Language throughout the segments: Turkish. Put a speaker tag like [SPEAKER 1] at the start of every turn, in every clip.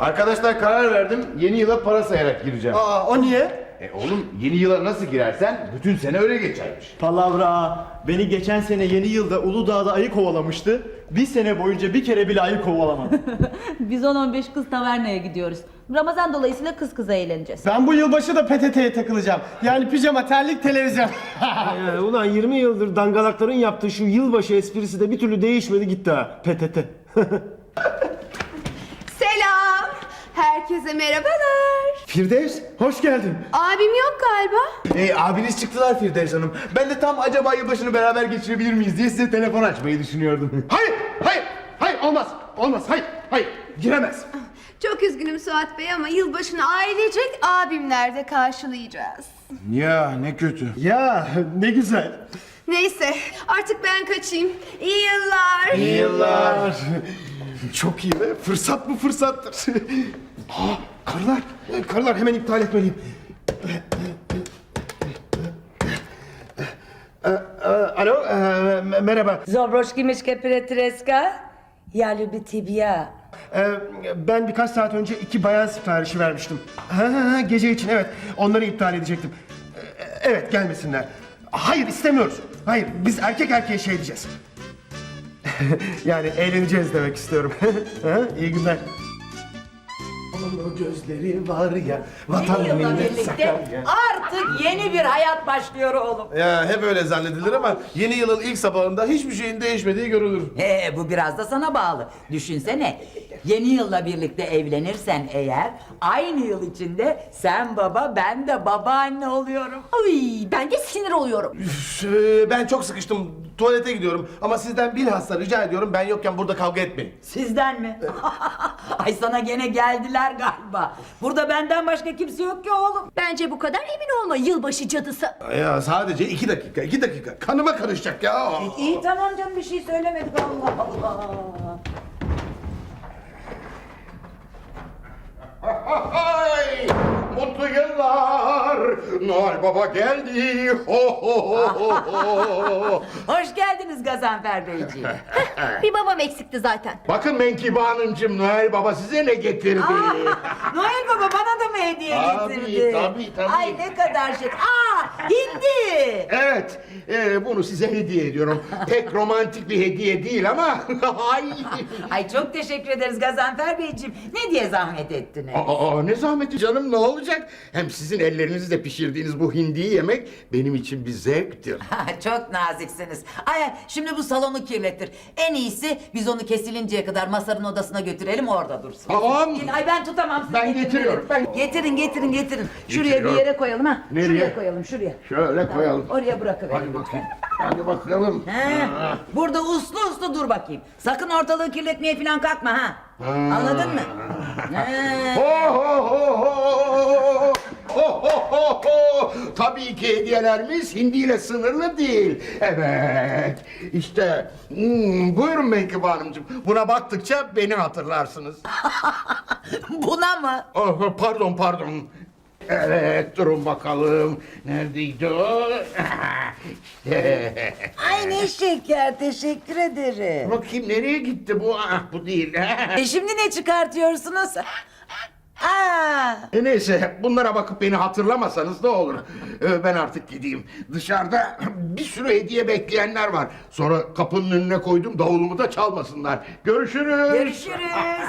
[SPEAKER 1] Arkadaşlar karar verdim. Yeni yıla para sayarak gireceğim.
[SPEAKER 2] Aa, o niye?
[SPEAKER 1] Oğlum yeni yıla nasıl girersen bütün sene öyle geçermiş.
[SPEAKER 2] Palavra. Beni geçen sene yeni yılda Uludağ'da ayı kovalamıştı. Bir sene boyunca bir kere bile ayı kovalamadım.
[SPEAKER 3] Biz 10-15 kız tavernaya gidiyoruz. Ramazan dolayısıyla kız kıza eğleneceğiz.
[SPEAKER 2] Ben bu yılbaşı da PTT'ye takılacağım. Yani pijama, terlik, televizyon.
[SPEAKER 4] Ulan 20 yıldır dangalakların yaptığı şu yılbaşı esprisi de bir türlü değişmedi gitti ha. PTT.
[SPEAKER 5] Selam. Herkese merhabalar.
[SPEAKER 1] Firdevs hoş geldin.
[SPEAKER 5] Abim yok galiba.
[SPEAKER 1] Abiniz çıktılar Firdevs Hanım. Ben de tam acaba yılbaşını beraber geçirebilir miyiz diye size telefon açmayı düşünüyordum. Hayır olmaz hayır giremez.
[SPEAKER 5] Çok üzgünüm Suat Bey ama yılbaşını ailecek abimlerde karşılayacağız.
[SPEAKER 1] Ya ne kötü.
[SPEAKER 2] Ya ne güzel.
[SPEAKER 5] Neyse artık ben kaçayım. İyi yıllar.
[SPEAKER 1] İyi yıllar. Çok iyi be. Fırsat mı fırsattır. Karılar hemen iptal etmeliyim. Alo, merhaba.
[SPEAKER 6] Zobroşki miške Petreska, ja ljubi tibia.
[SPEAKER 4] Ben birkaç saat önce 2 bayan siparişi vermiştim. Gece için evet. Onları iptal edecektim. Evet gelmesinler. Hayır istemiyoruz. Hayır biz erkek erkeğe şey diyeceğiz. Yani eğleneceğiz demek istiyorum. İyi günler. Onun gözleri var ya vatan
[SPEAKER 6] Yeni yılla
[SPEAKER 4] millet
[SPEAKER 6] birlikte
[SPEAKER 4] Sakarya.
[SPEAKER 6] artık yeni bir hayat başlıyor oğlum.
[SPEAKER 7] Ya hep öyle zannedilir ama yeni yılın ilk sabahında hiçbir şeyin değişmediği görülür.
[SPEAKER 6] Bu biraz da sana bağlı. Düşünsene, yeni yılla birlikte evlenirsen eğer aynı yıl içinde sen baba ben de babaanne oluyorum.
[SPEAKER 3] Ay, ben de sinir oluyorum.
[SPEAKER 7] Ben çok sıkıştım. Tuvalete gidiyorum ama sizden bilhassa rica ediyorum ben yokken burada kavga etmeyin.
[SPEAKER 6] Sizden mi? Ay sana gene geldiler galiba. Burada benden başka kimse yok ki oğlum.
[SPEAKER 3] Bence bu kadar emin olma yılbaşı cadısı.
[SPEAKER 7] Ya sadece 2 dakika. Kanıma karışacak ya.
[SPEAKER 6] İyi tamam canım bir şey söylemedik Allah Allah.
[SPEAKER 1] Ay, mutlu yıllar. Noel Baba geldi. Ho ho ho ho ho.
[SPEAKER 6] Hoş geldiniz Gazanfer Beyciğim.
[SPEAKER 3] Bir babam eksikti zaten.
[SPEAKER 1] Bakın Menkibe Hanımcığım, Noel Baba size ne getirdi?
[SPEAKER 6] Noel Baba bana da mı hediye
[SPEAKER 1] Tabii,
[SPEAKER 6] getirdi?
[SPEAKER 1] tabii.
[SPEAKER 6] Ay ne kadar şey. Hindi.
[SPEAKER 1] Evet, bunu size hediye ediyorum. Pek romantik bir hediye değil ama... Ay.
[SPEAKER 6] Ay çok teşekkür ederiz Gazanfer Beyciğim. Ne diye zahmet ettiniz?
[SPEAKER 1] Ne zahmeti canım, ne olacak? Hem sizin ellerinizle pişirdiğiniz bu hindiyi yemek benim için bir zevktir.
[SPEAKER 6] Çok naziksiniz. Ay şimdi bu salonu kirletir. En iyisi biz onu kesilinceye kadar Masar'ın odasına götürelim orada dursun.
[SPEAKER 1] Tamam.
[SPEAKER 6] Ay ben tutamam sizi.
[SPEAKER 1] Ben
[SPEAKER 6] getirin.
[SPEAKER 1] getiriyorum, ben-
[SPEAKER 6] Getirin. Şuraya bir
[SPEAKER 1] Getiriyorum.
[SPEAKER 6] yere koyalım ha.
[SPEAKER 1] Nereye?
[SPEAKER 6] Şuraya koyalım şuraya.
[SPEAKER 1] Şöyle koyalım.
[SPEAKER 6] Oraya bırakıverin
[SPEAKER 1] Hadi
[SPEAKER 6] lütfen.
[SPEAKER 1] bakayım. Hadi bakalım.
[SPEAKER 6] He, burada uslu dur bakayım. Sakın ortalığı kirletmeye falan kalkma ha. Anladın mı? He.
[SPEAKER 1] Ho ho ho ho! Ho ho ho ho! Tabii ki hediyelerimiz hindiyle sınırlı değil. Evet. İşte buyurun Menkibe Hanımcığım. Buna baktıkça beni hatırlarsınız.
[SPEAKER 6] Buna mı?
[SPEAKER 1] Oh, pardon. Evet, durun bakalım. Neredeydi o? İşte.
[SPEAKER 6] Ay ne şeker teşekkür ederim.
[SPEAKER 1] Bakayım nereye gitti bu? Bu değil.
[SPEAKER 6] Şimdi ne çıkartıyorsunuz? Aa,
[SPEAKER 1] Neyse, bunlara bakıp beni hatırlamasanız ne olur. Ben artık gideyim. Dışarıda bir sürü hediye bekleyenler var. Sonra kapının önüne koydum, davulumu da çalmasınlar. Görüşürüz.
[SPEAKER 6] görüşürüz.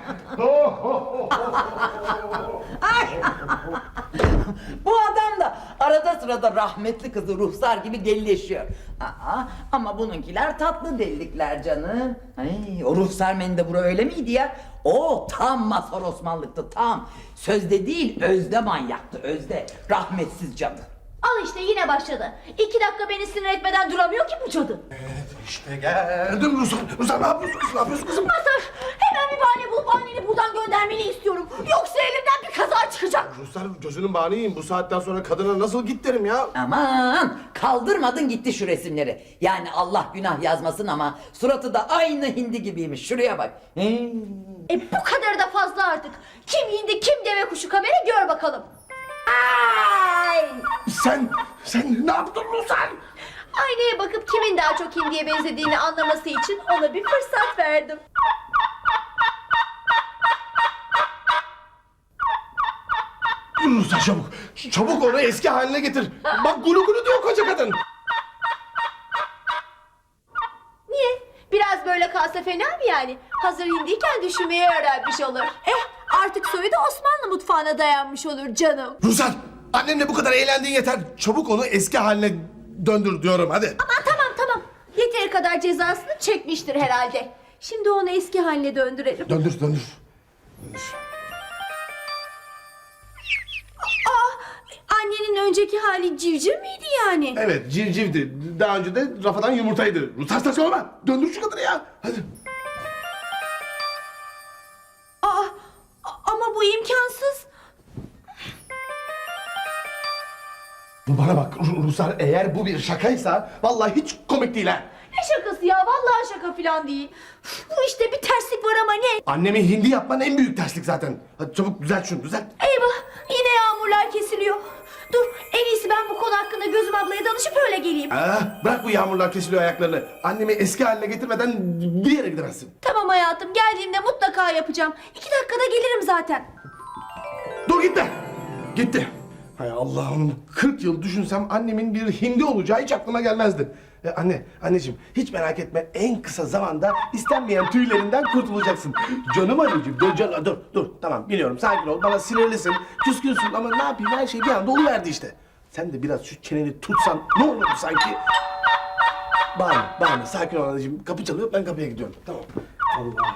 [SPEAKER 6] Ay. Bu adam da arada sırada rahmetli kızı Ruhsar gibi delileşiyor. Ama bununkiler tatlı delilikler canım. Ay, o Ruhsar Mendebur öyle miydi ya? O tam Mazhar Osmanlıktı tam. Sözde değil özde manyaktı özde. Rahmetsiz cadı.
[SPEAKER 3] Al işte yine başladı. 2 dakika beni sinir etmeden duramıyor ki bu cadı.
[SPEAKER 7] İşte geldim Ruslan ne yapıyorsun kızım?
[SPEAKER 3] Mazhar, hemen bir bahane bulup anneni buradan göndermeni istiyorum. Yoksa elimden bir kaza çıkacak.
[SPEAKER 7] Ruslan gözünün bağını yiyeyim. Bu saatten sonra kadına nasıl git derim ya.
[SPEAKER 6] Aman kaldırmadın gitti şu resimleri. Yani Allah günah yazmasın ama suratı da aynı hindi gibiymiş. Şuraya bak.
[SPEAKER 3] Bu kadar da fazla artık. Kim hindi kim deve kuşu kamera gör bakalım. Ay!
[SPEAKER 7] Sen ne yaptın Ruslan?
[SPEAKER 3] Aynaya bakıp kimin daha çok hindiye benzediğini anlaması için ona bir fırsat verdim.
[SPEAKER 7] Ruslar çabuk. Çabuk onu eski haline getir. Bak gulu gulu diyor koca kadın.
[SPEAKER 3] Niye? Biraz böyle kalsa fena mı yani? Hazır hindiyken düşünmeyi öğrenmiş olur. Artık soyu da Osmanlı mutfağına dayanmış olur canım.
[SPEAKER 7] Ruslar annemle bu kadar eğlendiğin yeter. Çabuk onu eski haline döndür diyorum hadi.
[SPEAKER 3] Aman tamam. Yeteri kadar cezasını çekmiştir herhalde. Şimdi onu eski haline döndürelim.
[SPEAKER 7] Döndür.
[SPEAKER 3] Annenin önceki hali civciv miydi yani?
[SPEAKER 7] Evet civcivdi. Daha önce de rafadan yumurtaydı. Ruslar saçmalama. Döndür şu kadını ya. Hadi.
[SPEAKER 3] Ama bu imkansız.
[SPEAKER 7] Bana bak Ruslar eğer bu bir şakaysa vallahi hiç komik değil ha.
[SPEAKER 3] Ne şakası ya? Vallahi şaka falan değil. Bu işte bir terslik var ama ne?
[SPEAKER 7] Annemi hindi yapman en büyük terslik zaten. Hadi çabuk düzelt şunu düzelt.
[SPEAKER 3] Eyvah! Yine yağmurlar kesiliyor. Dur, en iyisi ben bu konu hakkında Gözüm ablaya danışıp öyle geleyim.
[SPEAKER 7] Bırak bu yağmurlar kesiliyor ayaklarını. Annemi eski haline getirmeden bir yere gidemezsin.
[SPEAKER 3] Tamam hayatım, geldiğimde mutlaka yapacağım. 2 dakikada gelirim zaten.
[SPEAKER 7] Dur gitme. Gitti. Hay Allah'ım 40 yıl düşünsem annemin bir hindi olacağı hiç aklıma gelmezdi. Anneciğim hiç merak etme en kısa zamanda istenmeyen tüylerinden kurtulacaksın. Canım anneciğim dur tamam biliyorum sakin ol bana sinirlisin küskünsün ama ne yapayım her şey bir anda oluverdi işte. Sen de biraz şu çeneni tutsan ne olurdu sanki? Bağırma sakin ol anneciğim kapı çalıyor ben kapıya gidiyorum tamam. Allah'ım.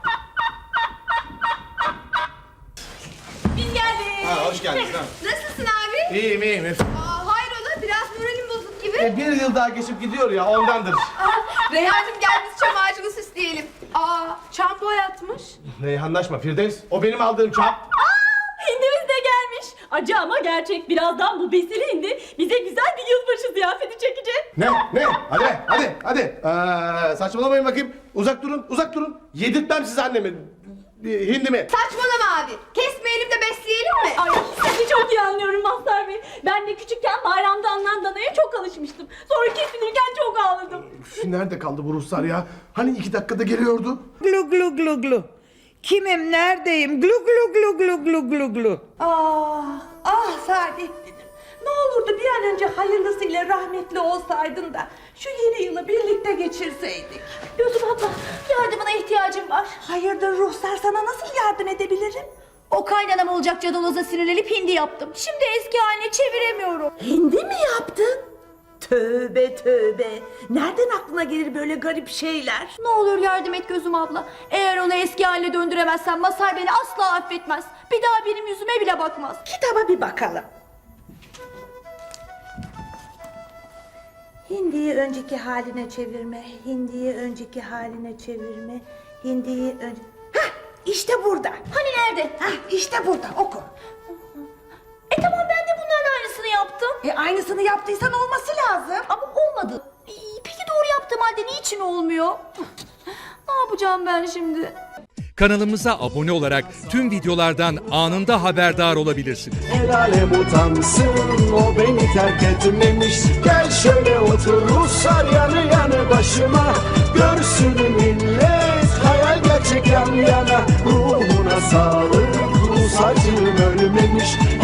[SPEAKER 5] Biz geldik.
[SPEAKER 7] Hoş geldin.
[SPEAKER 5] Nasılsın abi?
[SPEAKER 7] İyiyim.
[SPEAKER 5] Hayrola biraz moralim bozuk gibi.
[SPEAKER 7] Bir yıl daha geçip gidiyor ya ondandır.
[SPEAKER 5] Reyhancığım gel biz çam ağacını süsleyelim. Çam boyatmış.
[SPEAKER 7] Reyhanlaşma Firdevs o benim aldığım çap.
[SPEAKER 8] Hindimiz de gelmiş. Acı ama gerçek. Birazdan bu besili hindi bize güzel bir yılbaşı ziyafeti çekecek.
[SPEAKER 7] Ne? Hadi. Saçmalamayın bakayım. Uzak durun. Yedirtmem size annemi. Hindimi.
[SPEAKER 5] Saçmalama abi. Kesmeyelim de besleyelim mi?
[SPEAKER 8] Ay sizi çok iyi anlıyorum Mazhar Bey. Ben de küçükken bayramda alınan danaya çok alışmıştım. Sonra kesilirken çok ağladım.
[SPEAKER 7] Üf, nerede kaldı bu Ruslar ya? Hani 2 dakikada geliyordu?
[SPEAKER 9] Glu glu glu glu. Kimim, neredeyim? Glu glu glu glu glu glu glu.
[SPEAKER 10] Saadettin'im. Ne olurdu bir an önce hayırlısıyla rahmetli olsaydın da şu yeni yılı birlikte geçirseydik.
[SPEAKER 3] Gözüm abla, yardımına ihtiyacım var.
[SPEAKER 10] Hayırdır Ruhsar, sana nasıl yardım edebilirim?
[SPEAKER 3] O kaynanam olacak cadaloza sinirlenip hindi yaptım. Şimdi eski haline çeviremiyorum.
[SPEAKER 10] Hindi mi yaptın? Tövbe tövbe. Nereden aklına gelir böyle garip şeyler?
[SPEAKER 3] Ne olur yardım et Gözüm abla. Eğer onu eski haline döndüremezsem Mazhar beni asla affetmez. Bir daha benim yüzüme bile bakmaz.
[SPEAKER 10] Kitaba bir bakalım. Hindiyi önceki haline çevirme, hindiyi önceki haline çevirme, hindiyi ön... Hah, işte burada.
[SPEAKER 3] Hani nerede?
[SPEAKER 10] Hah, işte burada, oku.
[SPEAKER 3] Tamam ben de bunların aynısını yaptım.
[SPEAKER 10] Aynısını yaptıysan olması lazım.
[SPEAKER 3] Ama olmadı. Peki doğru yaptığım halde niçin olmuyor? Ne yapacağım ben şimdi?
[SPEAKER 11] Kanalımıza abone olarak tüm videolardan anında haberdar olabilirsiniz.
[SPEAKER 12] El alem utansın o beni terk etmemiş. Gel şöyle otur Ruslar yanı yanı başıma. Görsün millet hayal gerçek yan yana. Ruhuna sağlık Rus acım ölmemiş.